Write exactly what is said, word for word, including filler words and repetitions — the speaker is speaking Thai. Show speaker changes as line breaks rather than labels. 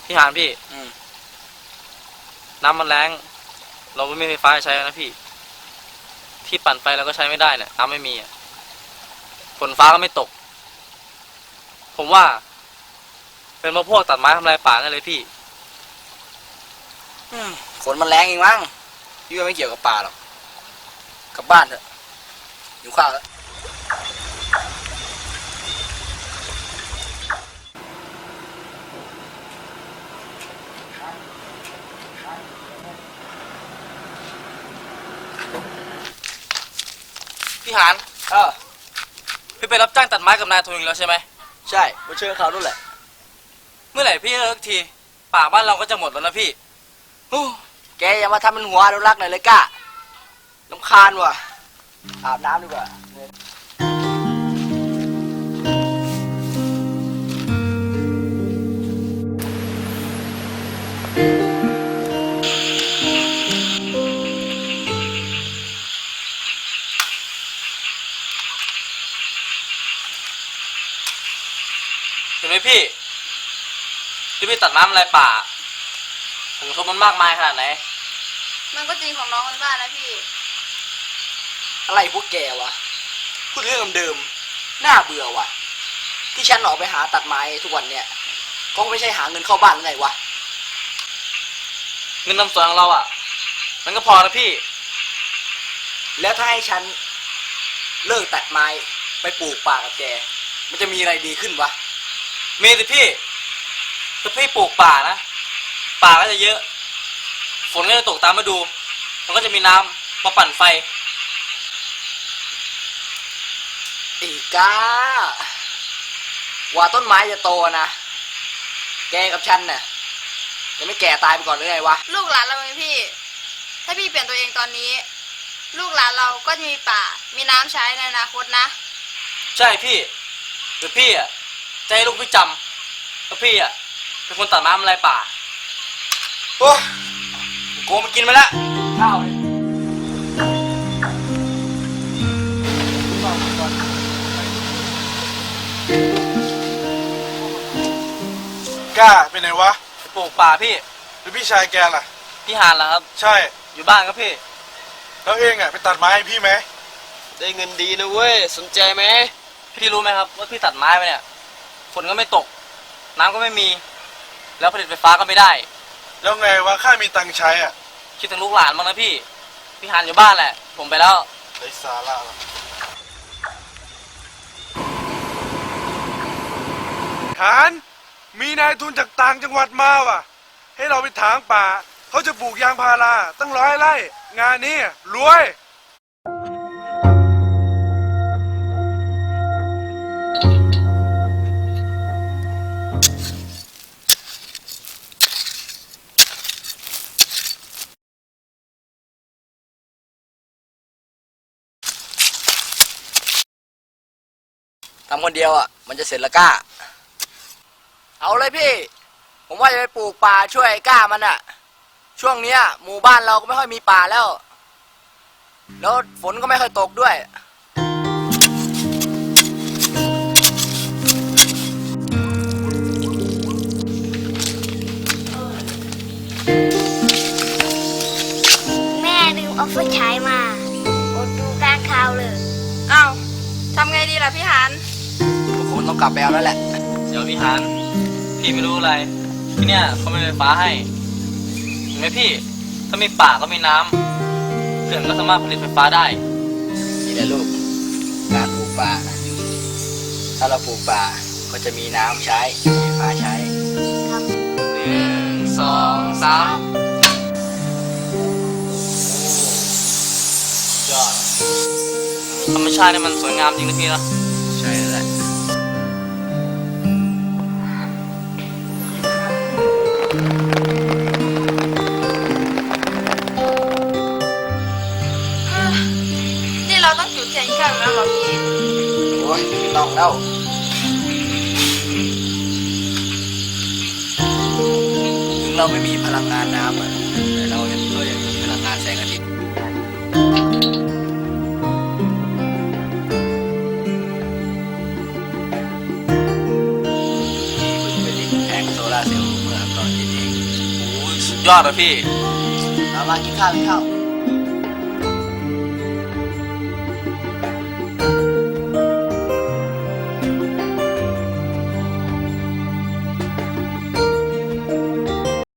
พี่หานพี่น้ำมันแรงเราไม่มีไฟฟ้าใช้นะพี่ที่ปั่นไฟเราก็ใช้ไม่ได้เนี่ยน้ำไม่มีอ่ะฝนฟ้าก็ไม่ตกผมว่าเป็นเพราะพวกตัดไม้ทำลายป่านั่นเลยพี่
ฝนมันแรงเองมั้งพี่ว่าไม่เกี่ยวกับป่าหรอกกลับบ้านเถอะหิวข้าวแล้ว
พี่หานเออพี่ไปรับจ้างตัดไม้กับนายทุนแล้วใช่ไหม
ใช่มาเชิญเขาด้วยแหละ
เมื่อไหร่พี่เลิกทีป่าบ้านเราก็จะหมดแล้วนะพี่
แกอย่ามาทำเป็นหัวอนุรักษ์หน่อยเลยก้าลำคาญว่ะอาบน้ำดีกว่า
เห็นไหมพี่ที่พี่ตัดไม้ทำลายป่าผลกระทบมันมากมายขนาดไหน
มันก็จริงของน้องมันบ้านนะพี่
อะไรพวกแกวะพูดเรื่องเดิมน่าเบื่อว่ะที่ฉันออกไปหาตัดไม้ทุกวันเนี่ยก็ไม่ใช่หาเงินเข้าบ้านไงวะ
เงินนำส่วนของเราอ่ะมันก็พอนะพี่
แล้วถ้าให้ฉันเลิกตัดไม้ไปปลูกป่ากับแกมันจะมีอะไรดีขึ้นวะ
มีสิพี่ถ้าพี่ปลูกป่านะป่าก็จะเยอะฝนก็จะตกตามฤดูมันก็จะมีน้ำมาปั่นไฟ
อีกาว่าต้นไม้จะโตนะแกกับฉันเนี่ยจะไม่แก่ตายไปก่อนหรือไงวะ
ลูกหลานเราไงพี่ถ้าพี่เปลี่ยนตัวเองตอนนี้ลูกหลานเราก็จะมีป่ามีน้ำใช้ในอนาคตนะ
ใช่พี่แต่พี่อ่ะจะให้ลูกพี่จำว่าพี่อ่ะเป็นคนตัดไม้ทำลายป่า
โอ้โกมากินมาแล้วข้าว
กล้าไปไหนวะ
ไปปลูกป่าพี่
แล้วพี่ชายแกล่ะ
พี่หานล่ะครับ
ใช่
อยู่บ้านครับพี่
แล้วเองอ่ะไปตัดไม้ให้พี่ไหม
ได้เงินดีนะเว้ยสนใจไหม
พี่รู้ไหมครับว่าพี่ตัดไม้ไปเนี่ยฝนก็ไม่ตกน้ำก็ไม่มีแล้วผลิตไฟฟ้าก็ไม่ได้
แล้วไงวะข้ามีตังค์ใช้อ่ะ
คิดถึงลูกหลานบ้างนะพี่พี่หานอยู่บ้านแหละผมไปแล้ว
ไร้สาระละหานมีนายทุนจากต่างจังหวัดมาว่ะให้เราไปถางป่าเขาจะปลูกยางพาราตั้งร้อยไร่งานนี้รวย
ทำคนเดียวอ่ะมันจะเสร็จละก้าเอาเลยพี่ผมว่าจะไปปลูกป่าช่วยก้ามันอ่ะช่วงนี้หมู่บ้านเราก็ไม่ค่อยมีป่าแล้วแล้วฝนก็ไม่ค่อยตกด้วย
แม่ลืมเอาไฟฉายมาอดดูการข่าวเลย
เอ้าทำไงดีล่ะพี่หาน
ทุกคนต้องกลับไปเอาแล้วแหละ
เดี๋ยวพี่หานพี่ไม่รู้อะไรที่เนี่ยเขาไม่มีไฟฟ้าให้เห็นไหมพี่ถ้ามีป่าก็มีน้ำเขื่อนก็สามารถผลิตไฟฟ้าได้
นี่แหละลูกการปลูกป่าถ้าเราปลูกป่าก็จะมีน้ำใช้มีไฟฟ้าใช้
หนึ่งสองสามยอดธรรมชาตินี่มันสวยงามจริงนะพี่นะ
ใช่แหละ
นี่เราต้องจุดเทียนอีกครั้งแล้วเหรอพี่
โอ้ยไม่ต้องแล้วถึงเราไม่มีพลังงานน้ำแต่เรายังก็ยังมีพลังงานแสงอาทิตย์เซลล์เมื่อตอนเย็นเอง
โอ้ยสุดยอดอะพี่
เอามากินข้าวกินข้าว